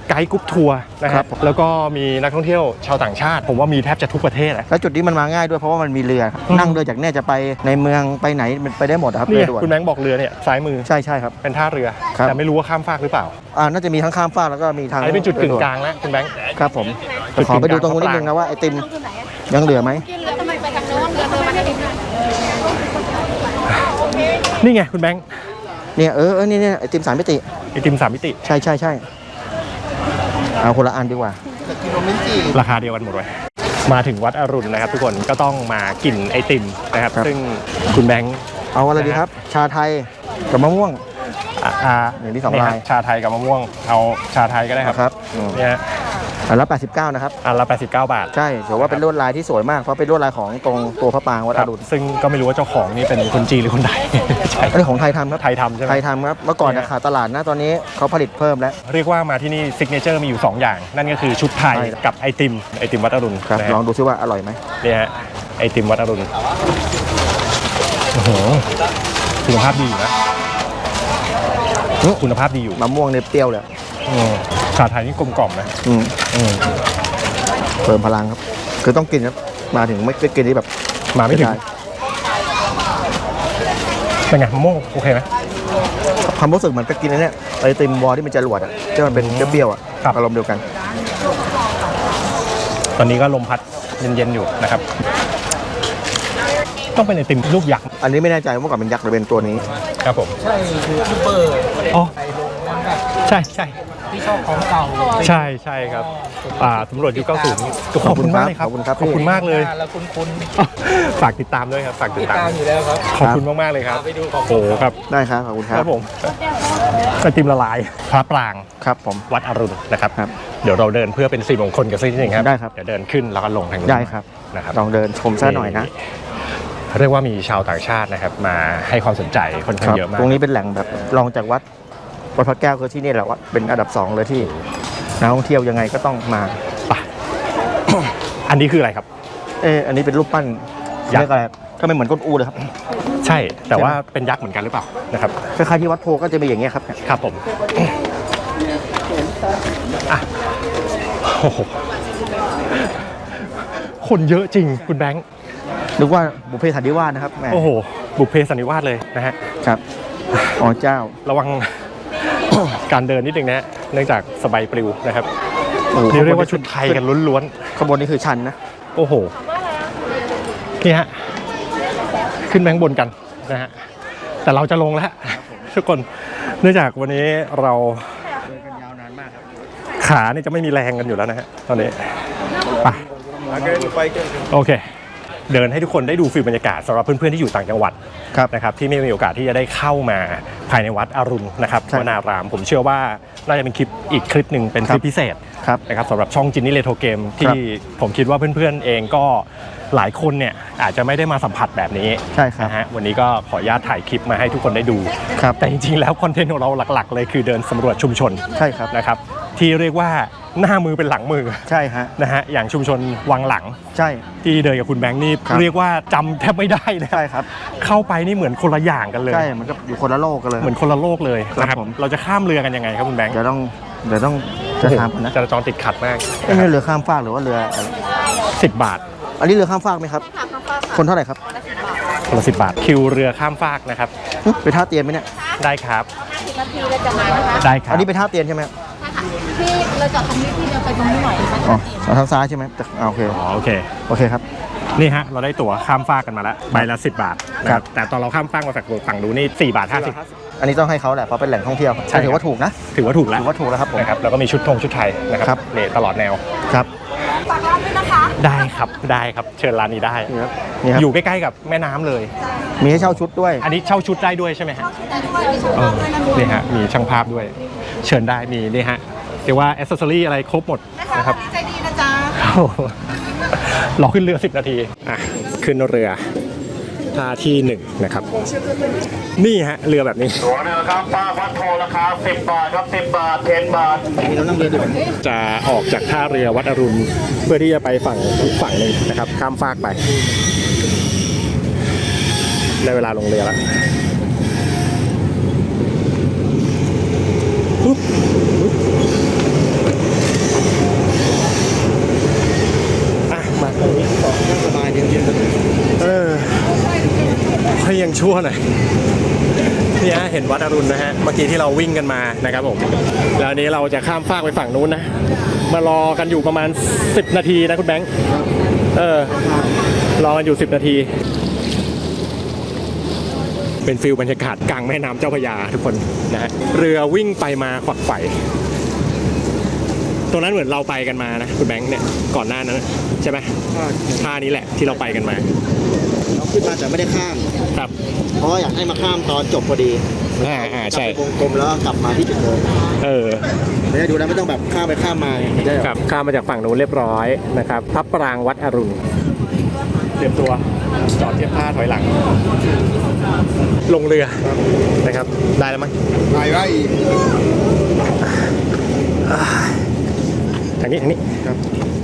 Speaker 1: ไกด์กรุ๊ปทัวร์นะค
Speaker 2: ครั
Speaker 1: รับบ แล้วก็มีนักท่องเที่ยวชาวต่างชาติ ผมว่ามีแทบจะทุกประเทศอะ
Speaker 2: แล้วจุดนี้มันมาง่ายด้วยเพราะว่ามันมีเรือครับ
Speaker 1: อืม
Speaker 2: นั่งเรือจากเนี่ยจะไปในเมืองไปไหนมันไปได้หมดครับ
Speaker 1: นี่
Speaker 2: เรือด่วน
Speaker 1: คุณแบงค์บอกเรือเนี่ยซ้ายมือ
Speaker 2: ใช่ใช่ครับ
Speaker 1: เป็นท่าเรือ
Speaker 2: ครับ
Speaker 1: แต่ไม่รู้ว่าข้ามฟากหรือเปล่า
Speaker 2: อ่าน่าจะมีทั้งข้ามฟากแล้วก็มีทาง
Speaker 1: อันนี้เป็นจุดกึ่งกลางแล้วคุณแบงค์
Speaker 2: ครับผม
Speaker 1: จุด
Speaker 2: ขอไปดูตรง
Speaker 1: กึ่
Speaker 2: นู้น
Speaker 1: งกลาง
Speaker 2: นิดนึงนะว่าไอติมยังเหลือไหม
Speaker 5: ทำไมไปทางโน้นเรือเธอมาทางนี้
Speaker 1: นี่ไงคุณแบงค์
Speaker 2: เนี่ยเออเออนี่เนี่ยไอติมสามมิติ
Speaker 1: ไอติมสามมิติ
Speaker 2: ใช่ใช่ใช่เอาคนละอันดีกว่า
Speaker 1: ราคาเดียวกันหมดเลยมาถึงวัดอรุณนะครับ ทุกคนก็ต้องมากินไอติมนะครับ
Speaker 2: ครับ
Speaker 1: ซึ่งคุณแบงค์
Speaker 2: เอาอะไรดีครับ ชาไทยกับมะม่วง
Speaker 1: อ่าอ่า
Speaker 2: อย่างที่สอง
Speaker 1: นี่ครับ
Speaker 2: ลาย
Speaker 1: ชาไทยกับมะม่วงเอาชาไทยก็ได้ครับ
Speaker 2: ครับอืม
Speaker 1: เนี่ยฮะ
Speaker 2: อันละแปดสิบเก้านะครับ
Speaker 1: อันละแปดสิบเก้าบาท
Speaker 2: ใช่ถือว่าเป็นลวดลายที่สวยมากเพราะเป็นลวดลายของตรงตัวพระปรางวัด
Speaker 1: ค
Speaker 2: อ
Speaker 1: รับ
Speaker 2: รุณ
Speaker 1: ซึ่งก็ไม่รู้ว่าเจ้าของนี่เป็นคนจีนหรือคนไทย ใช่
Speaker 2: อันนี้ของไทยทำครับ
Speaker 1: ไทยทำใช่ไหม
Speaker 2: ไทยทำครับเมื่อก่อนนะขาดตลาดนะตอนนี้เขาผลิตเพิ่มแล้ว
Speaker 1: เรียกว่ามาที่นี่ซิกเนเจอร์มีอยู่ สอง อย่าง นั่นก็คือชุดไทย
Speaker 2: ใช่
Speaker 1: กับไอติมไอติมวัดอรุณ
Speaker 2: ครับ
Speaker 1: นะฮะ
Speaker 2: ลองดูซิว่าอร่อยไหม
Speaker 1: เนี่ยฮะไอติมวัดอรุณโอ้โหคุณภาพดีอยู่นะคุณภาพดีอยู่
Speaker 2: มะม่วงเนี่ยเปรี้ยวเลย
Speaker 1: อืมชาไทยนี่กลมกล่อมนะ
Speaker 2: อืม
Speaker 1: อืม
Speaker 2: เพิ่มพลังครับ คือต้องกินครับมาถึงไม่ได้กินที่แบบ
Speaker 1: มาไม่ถึง
Speaker 2: ด้
Speaker 1: เป็นไงมะม่วงโอเคไหม
Speaker 2: ความรู้สึกเหมือนกับกินไอ้เนี่ยไอติมวอลที่มันจะรวดอ่ะที่มันเป็นเปรี้ยวๆอ่ะ
Speaker 1: ครับ
Speaker 2: อารมณ์เดียวกัน
Speaker 1: ตอนนี้ก็ลมพัดเย็นๆอยู่นะครับ ต้องเป็นไอติมลูกยักษ์
Speaker 2: อันนี้ไม่แน่ใจว่าเมื่อก่อนเป็นยักษ์หรือเป็นตัวนี้
Speaker 1: ครับผม
Speaker 6: ใช่คือพี่เบอร์
Speaker 1: อ๋อ
Speaker 6: ไปลงนั้นแบบ
Speaker 1: ใช่ใช่
Speaker 6: ที่ชอบของเก่า
Speaker 1: ใช่ใช่ครับอ่าตำรวจยุคเก้าสิบขอบคุณมากเลยครับ
Speaker 2: ขอบคุณครับ
Speaker 1: ขอบคุณมากเลย
Speaker 6: แล้วคุณคุณ
Speaker 1: ฝากติดตามด้วยครับฝากติ
Speaker 6: ติ
Speaker 1: ด
Speaker 6: ด
Speaker 1: ตา
Speaker 6: ตาม มอยู่แล้วครับ
Speaker 1: ขอบคุณมากๆเลยครับ
Speaker 6: ไปดูของ
Speaker 1: โอ้โหครับ
Speaker 2: ได้ครับขอบคุณค
Speaker 1: ค
Speaker 2: รั
Speaker 1: รั
Speaker 2: บบ
Speaker 1: ผมไอติมละลายพระปราง
Speaker 2: ครับผม
Speaker 1: วัดอรุณนะครับ
Speaker 2: ครับ
Speaker 1: เดี๋ยวเราเดินเพื่อเป็นสิริมงคลกันสักนิดหนึงครับ
Speaker 2: ได้ครับ
Speaker 1: เดี๋ยวเดินขึ้นแล้วก็ลงทางนี้
Speaker 2: ได้ครับ
Speaker 1: นะครับ
Speaker 2: ลองเดินชมซะหน่อยนะ
Speaker 1: เรียกว่ามีชาวต่างชาตินะครับ มาให้ความสนใจค่อนข้างเยอะมาก
Speaker 2: ตรงนี้เป็นแหล่งแบบรองจากวัดวัดพระแก้วคือที่นี่แหละวัดเป็นอันดับสองเลยที่นักท่องเที่ยวยังไงก็ต้องมา
Speaker 1: ไป อันนี้คืออะไรครับ
Speaker 2: เอออันนี้เป็นรูปปั้น
Speaker 1: ยักษ์
Speaker 2: เรียกอะไรก็ไม่เหมือนก้นอูเลยครับ
Speaker 1: ใช่ แต่ว่าเป็นยักษ์เหมือนกันหรือเปล่านะครับ
Speaker 2: คล้ายๆที่วัดโพก็จะเป็นอย่างเงี้ยครับ
Speaker 1: ครับผมอ่ะโอ้โหคนเยอะจริงคุณแบงค์
Speaker 2: นึกว่าบุพเพสันนิวาสนะครับแหม
Speaker 1: โอ้โห บุพเพสันนิวาสเลยนะฮะ
Speaker 2: ครับอ๋อเจ้า
Speaker 1: ระวัง การเดินนิดนึงนะฮะเนื่องจากสบายปลิวนะครับ
Speaker 2: โอ้โห
Speaker 1: นี่เรียกว่าชุดไทยกันล้วน
Speaker 2: ขบวนนี้คือชันนะ
Speaker 1: ๆ โอ้โห นี่ฮะ ขึ้นแบงบนกันนะฮะ แต่เราจะลงแล้ว ทุกคน เนื่องจากวันนี้เรา
Speaker 2: เดินกันยาวนานมากครับ
Speaker 1: ขานี่จะไม่มีแรงกันอยู่แล้วนะฮะ ตอนนี้ ไป โอเค เดินให้ทุกคนได้ดูฟิลบรรยากาศสำหรับเพื่อนๆที่อยู่ต่างจังหวัด
Speaker 2: ครับ
Speaker 1: นะครับที่ไม่มีโอกาสที่จะได้เข้ามาภายในวัดอรุณนะครับ
Speaker 2: ใช่
Speaker 1: วนาราม ผมเชื่อว่าน่าจะเป็นคลิปอีกคลิปหนึ่งเป็นคลิปพิเศษ
Speaker 2: ครับ
Speaker 1: นะครับสำหรับช่องจินนี่เรโทรเกม
Speaker 2: ครั
Speaker 1: ที่
Speaker 2: บ
Speaker 1: ผมคิดว่าเพื่อนๆเองก็หลายคนเนี่ยอาจจะไม่ได้มาสัมผัสแบบนี้
Speaker 2: ใช่ครับ
Speaker 1: นะฮะวันนี้ก็ขออนุญาตถ่ายคลิปมาให้ทุกคนได้ดู
Speaker 2: ครับ
Speaker 1: แต่จริงๆแล้วคอนเทนต์ของเราหลักๆ เลยคือเดินสำรวจชุมชน
Speaker 2: ใช่ครับ
Speaker 1: นะครับที่เรียกว่าหน้ามือเป็นหลังมือ
Speaker 2: ใช่ฮะ
Speaker 1: นะฮะอย่างชุมชนวังหลัง
Speaker 2: ใช่
Speaker 1: ที่เดินกับคุณแบงค์นี่
Speaker 2: ครับ
Speaker 1: เรียกว่าจำแทบไม่ได้นะ
Speaker 2: ใช่ครับ
Speaker 1: เข้าไปนี่เหมือนคนละอย่างกันเลย
Speaker 2: ใช่มันก็อยู่คนละโลกกันเลย
Speaker 1: เหมือนคนละโลกเลยนะค
Speaker 2: ครั
Speaker 1: รั
Speaker 2: บบ ผม
Speaker 1: เราจะข้ามเรือกันยังไงครับคุณแบงค์
Speaker 2: เดี๋ยวต้องเดี๋ยวต้องจะถามก่อนนะ
Speaker 1: จราจรติดขัดมาก
Speaker 2: เอ้ยนี่เรือข้ามฟากหรือว่าเรืออะไร
Speaker 1: สิบบาท
Speaker 2: อันนี้เรือข้ามฟากไหมครับ คนเท่าไหร่ครับ
Speaker 1: คนละสิบบาท คิวเรือข้ามฟากนะครับ
Speaker 2: หึไปท่าเตียนไหมเนี่ย
Speaker 1: ได้ครับ
Speaker 3: นาทีเราจะมานะคะ
Speaker 1: ได้ครับ
Speaker 2: อันนี้ไปท่าเตียนใช่ไหม
Speaker 3: พี่เราจอดตรงนี้พี่จะไปตรงนี้หน่อยมัน
Speaker 2: อ๋อ
Speaker 3: จะเห็น
Speaker 2: เอาทางซ้ายใช่ไหมแต่อ่าโอเค
Speaker 1: อ๋อโอเค
Speaker 2: โอเคครับ
Speaker 1: นี่ฮะเราได้ตั๋วข้ามฟากกันมาแล้วใบละสิบบาทนะค
Speaker 2: ครั
Speaker 1: รับบ แต่ตอนเราข้ามฟากมาฝั่งฝั่งดูนี่สี่บาทห้าสิบ
Speaker 2: อันนี้ต้องให้เขาแหละเพราะเป็นแหล่งท่องเที่ยว
Speaker 1: ใช่ครับ
Speaker 2: ถือว่าถูกนะ
Speaker 1: ถือว่าถูกแล้ว
Speaker 2: ถือว่าถูกแล้วครับผม
Speaker 1: นะครับแล้วก็มีชุดธงชุดไทยนะค
Speaker 2: ครั
Speaker 1: รับบ นี่ตลอดแนว
Speaker 2: ครับ
Speaker 3: ฝากร้านด้วยนะคะ
Speaker 1: ได้ครับได้ครับเชิญร้านนี้ได้
Speaker 2: นี่ครับนี่ครับ
Speaker 1: อยู่ใกล้ๆกับแม่น้ำเลย
Speaker 2: มีให้เช่าชุดด้วย
Speaker 1: อันนี้เช่าชุดได้ด้วยใช่ไหมฮะ
Speaker 3: แต่ด้วยมีชุด
Speaker 1: เออ
Speaker 3: ด้วยนะ
Speaker 1: นี่ฮะมีช่างภาพด้วย เชิญได้มีนี่ฮะเรียกว่าแอ c เซสซอรี่อะไรครบหมด
Speaker 3: นะคะ
Speaker 1: นะครับ
Speaker 3: ใจดีนะจ๊ะ
Speaker 1: โอ้โหรอขึ้นเรือสิบนาทีอ่ะขึ้นเรือท่าที่หนึ่งนะครับ นี่ฮะเรือแบบนี้
Speaker 7: ตั๋วเรือครับป้าวัดโพราคาสิบบาทครับสิบบาทเทนบาท
Speaker 2: เรานั่งเรือดีกว่า
Speaker 1: จะออกจากท่าเรือวัดอรุณเพื่อที่จะไปฝั่งอีกฝั่งหนึ่งนะครับข้ามฟากไปได้เวลาลงเรือแล้วปุ๊บปุ๊บชั่วหน่อยนี่ฮะเห็นวัดอรุณนะฮะเมื่อกี้ที่เราวิ่งกันมานะครับผมแล้วอันนี้เราจะข้ามฟากไปฝั่งนู้นนะมารอกันอยู่ประมาณสิบนาทีนะคุณแบงค์เออรอกันอยู่สิบนาทีเป็นฟิลบรรยากาศกลางแม่น้ำเจ้าพระยาทุกคนนะฮะเรือวิ่งไปมาขวักไขว่ตรงนั้นเหมือนเราไปกันมานะคุณแบงค์เนี่ยก่อนหน้านั้นใช่ไหมท่านี้แหละที่เราไปกันมา
Speaker 2: เราขึ้นมาแต่ไม่ได้ข้าม
Speaker 1: ครับ
Speaker 2: เพราะอยากให้มาข้ามตอนจบพอดี
Speaker 1: อ่าอ่าใช่
Speaker 2: กลับไปวงกลมแล้วก็กลับมาที่จุดเดิม
Speaker 1: เออ
Speaker 2: ไม่ได้ดูแล้วไม่ต้องแบบข้ามไปข้ามมาได้
Speaker 1: ครับข้ามมาจากฝั่งนู้นเรียบร้อยนะครับพระปรางวัดอรุณเตรียมตัวจอดเทียบท่าถอยหลัง ลงเรือนะครับได้แล้วมั้ง
Speaker 4: ไปไว้
Speaker 1: ทางนี้ทางนี้ครับ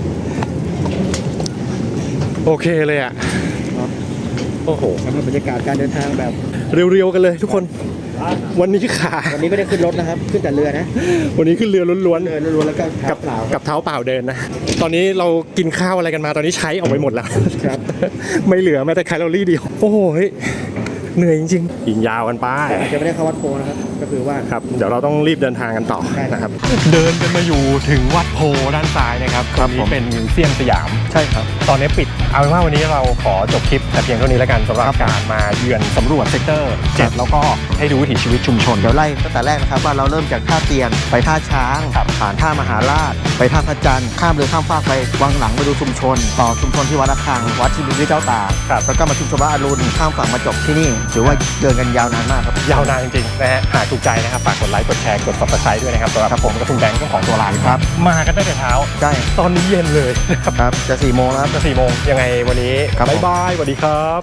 Speaker 1: โอเคเลยอ่ะโอ้โห
Speaker 2: สำหรับบรรยากาศการเดินทางแบบ
Speaker 1: เรียวๆกันเลยทุกคนวันนี้ขา
Speaker 2: วันนี้ไม่ได้ขึ้นรถนะครับ ขึ้นแต่เรือนะ
Speaker 1: วันนี้ขึ้นเรือล้วน
Speaker 2: เดินล้วนๆแล้วก็
Speaker 1: ๆ
Speaker 2: กับเปล่า
Speaker 1: กับเท้าเปล่าเดินนะตอนนี้เรากินข้าวอะไรกันมาตอนนี้ใช้ออกไปหมดแล้ว
Speaker 2: ครับ
Speaker 1: ไม่เหลือแม้แต่แคลอรี่เดียวโอ้โหเฮ้ยเหนื่อยจริงๆยิงยาวกันไป
Speaker 2: จะไม่ได้เข้าวัดโพนะครับ ก็คือว่า
Speaker 1: ครับเดี๋ยวเราต้องรีบเดินทางกันต่อ
Speaker 2: ใช่
Speaker 1: นะครับ เดินกันมาอยู่ถึงวัดโพด้านซ้ายนะครับตรงนี้เป็นมิวเซียมสยาม
Speaker 2: ใช่ครับ
Speaker 1: ตอนนี้ปิดเอาเป็นว่าวันนี้เราขอจบคลิปแต่เพียงเท่านี้แล้วกันสำหรับการมาเยือนสำรวจเซกเตอร์เจ็ดแล้วก็ให้ดูวิถีชีวิตชุมชน
Speaker 2: เดี๋ยวไล่ตั้งแต่แรกนะครับว่าเราเริ่มจากท่าเตียนไปท่าช้าง
Speaker 1: ครับ
Speaker 2: ผ่านท่ามหาราช ไปท่าพระจันทร์ข้ามเรือข้ามฟากไปวังหลังไปดูชุมชน ต่อชุมชนที่วัดระฆังวัดชิบุรีเจ้าตาก
Speaker 1: ครับ
Speaker 2: แล้วก็มาชุมชนวัดอรุณข้ามฝั่งมาจบที่นี่ถือว่าเดินกันยาวนานมากครับ
Speaker 1: ยาวนานจริงๆนะฮะหากถูกใจนะครับฝากกดไลค์กดแชร์กด ซับสไครบ์ ด้วยนะครับสำหรับผมกับคุณแบงค์เจ้าของตัวร้านครับมากันตั้งแต่เช้า
Speaker 2: ใช่
Speaker 1: ตอนนี้เย็นเลยนะครับ
Speaker 2: ครับจะสี่โมงแล้วครับ
Speaker 1: จะสี่โมงยังไงวันนี้
Speaker 2: ครับผม
Speaker 1: บ๊ายบายสวัสดีครับ